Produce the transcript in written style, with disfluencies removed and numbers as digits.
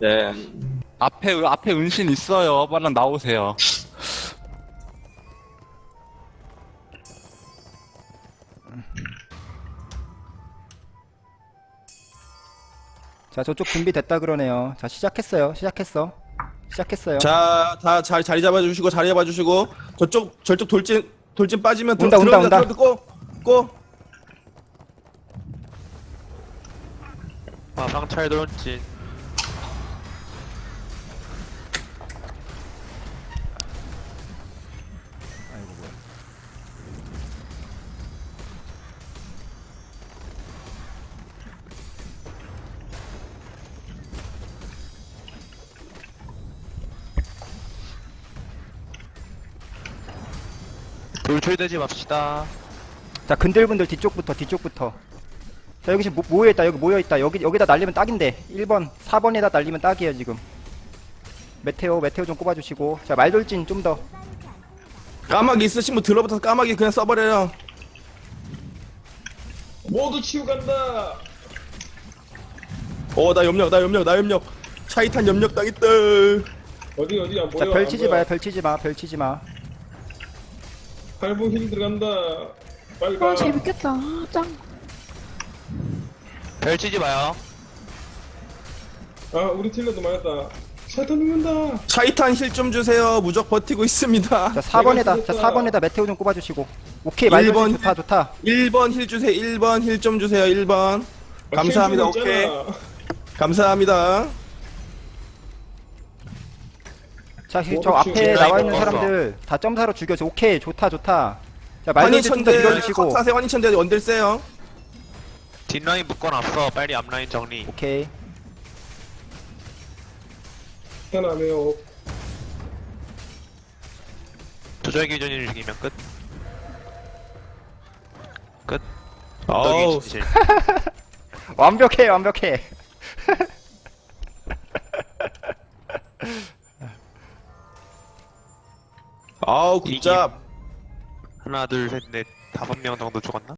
네. 앞에 은신 있어요. 빨리 나오세요. 자, 저쪽 준비됐다 그러네요. 자, 시작했어요. 시작했어요. 자, 다 자리 잡아주시고, 자리 잡아주시고, 저쪽 돌진 빠지면 온다. 고! 상찰 돌진. 아이고 뭐야. 돌출되지 맙시다. 자, 근들분들 뒤쪽부터. 자, 여기 지금 모여있다. 여기 모여있다. 여기다 날리면 딱인데. 1번, 4번에다 날리면 딱이에요, 지금. 메테오 좀 꼽아주시고. 자, 말돌진 좀 더. 까마귀 있으신 분 들어붙어서 까마귀 그냥 써버려요. 모두 치우 간다. 나 염력. 차이탄 염력 당했다. 어디 안 보여? 자, 안 별치지 보여. 마요, 별치지 마. 8분 힐 들어간다. 빨리 가. 아 재밌겠다. 아, 짱. 펼치지 마요. 아 우리 틸러도 맞았다. 샤터 죽는다. 차이탄 힐 좀 주세요. 무적 버티고 있습니다. 자, 4번에다. 내가 자, 4번에다 메테오 좀 꼽아주시고. 오케이, 말돌진 1번. 좋다. 1번 힐 주세요. 1번 힐 좀 주세요. 1번. 감사합니다. 힐 주고 오케이. 있잖아. 감사합니다. 자, 저 오, 앞에 지금 나와 있는 먹었어. 사람들 다 점사로 죽여서 오케이, 좋다. 자, 말돌진 좀 더 환희천대 밀어주시고. 컷하세요. 환희천대 원딜 세요. 뒷라인 묶어놨어. 빨리 앞라인 정리. 오케이. 편하네요. 조절 기준일 죽이면 끝. 끝. 어우. 엉덩이 진실. 완벽해. 아우 굿잡. 하나, 둘, 셋, 넷, 5명 정도 죽었나?